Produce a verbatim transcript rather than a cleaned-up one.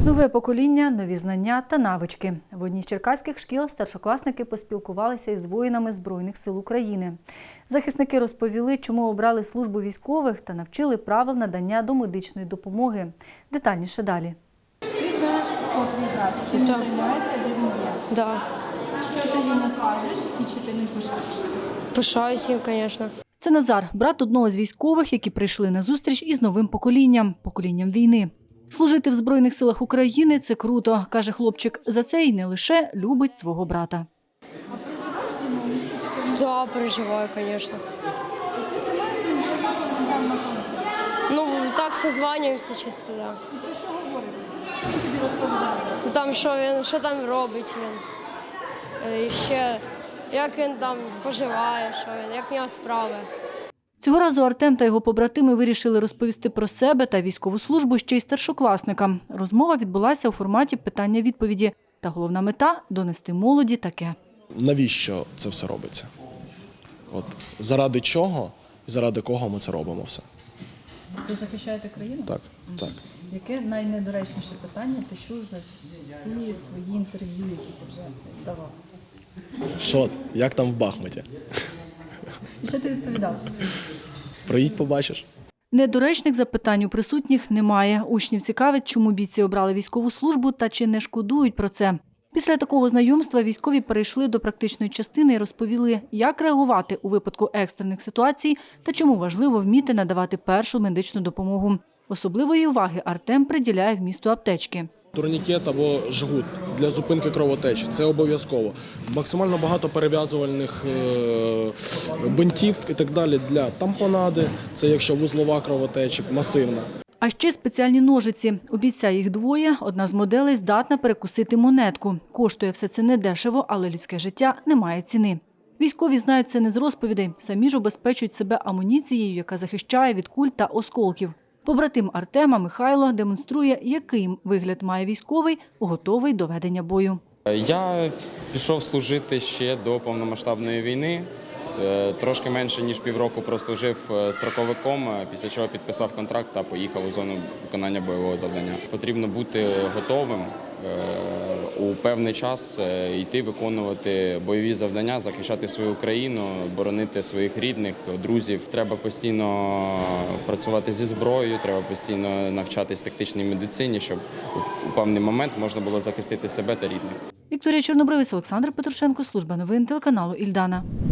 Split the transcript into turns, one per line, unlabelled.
Нове покоління, нові знання та навички. В одній з черкаських шкіл старшокласники поспілкувалися із воїнами Збройних сил України. Захисники розповіли, чому обрали службу військових та навчили правил надання домедичної допомоги. Детальніше далі.
Ти знаєш, хто твій брат, чим він займається, де він є?
Да.
Що ти йому кажеш і чи ти ним пишаєшся?
Пишаюсь їм, звісно.
Це Назар, брат одного з військових, які прийшли на зустріч із новим поколінням – поколінням війни. Служити в Збройних силах України – це круто, каже хлопчик. За це й не лише любить свого брата.
А переживаєш за нього? Місце таке?
Да, переживаю, звісно.
Ти не маєш з ним зв'язок, коли він там на фронті?
Ну, так созванюємося часто, да.
І ти що говориш? Що він тобі розповідає?
Ну, там, що він, що там робить він. Е, І ще, як він там поживає, що він, як в нього справи.
Цього разу Артем та його побратими вирішили розповісти про себе та військову службу ще й старшокласникам. Розмова відбулася у форматі питання-відповіді. Та головна мета – донести молоді таке.
Навіщо це все робиться? От, заради чого і заради кого ми це робимо все?
Ви захищаєте країну?
Так, так.
Яке найнедоречніше питання ти чув за всі свої інтерв'ю, які ти вже давав?
Що, як там в Бахмуті?
І що ти відповідав?
Приїдь, побачиш.
Недоречних запитань у присутніх немає. Учнів цікавить, чому бійці обрали військову службу та чи не шкодують про це. Після такого знайомства військові перейшли до практичної частини і розповіли, як реагувати у випадку екстрених ситуацій та чому важливо вміти надавати першу медичну допомогу. Особливої уваги Артем приділяє вмісту аптечки.
Турнікет або жгут для зупинки кровотечі – це обов'язково. Максимально багато перев'язувальних е, бинтів і так далі для тампонади, це якщо вузлова кровотеча, масивна.
А ще спеціальні ножиці. У бійця їх двоє. Одна з моделей здатна перекусити монетку. Коштує все це недешево, але людське життя не має ціни. Військові знають це не з розповідей. Самі ж убезпечують себе амуніцією, яка захищає від куль та осколків. Побратим Артема Михайло демонструє, який вигляд має військовий, готовий до ведення бою.
Я пішов служити ще до повномасштабної війни. Трошки менше, ніж півроку прослужив строковиком, після чого підписав контракт та поїхав у зону виконання бойового завдання. Потрібно бути готовим у певний час йти виконувати бойові завдання, захищати свою країну, боронити своїх рідних, друзів. Треба постійно працювати зі зброєю, треба постійно навчатись тактичній медицині, щоб у певний момент можна було захистити себе та рідних.
Вікторія Чорнобривець, Олександр Петрушенко, служба новин телеканалу «Ільдана».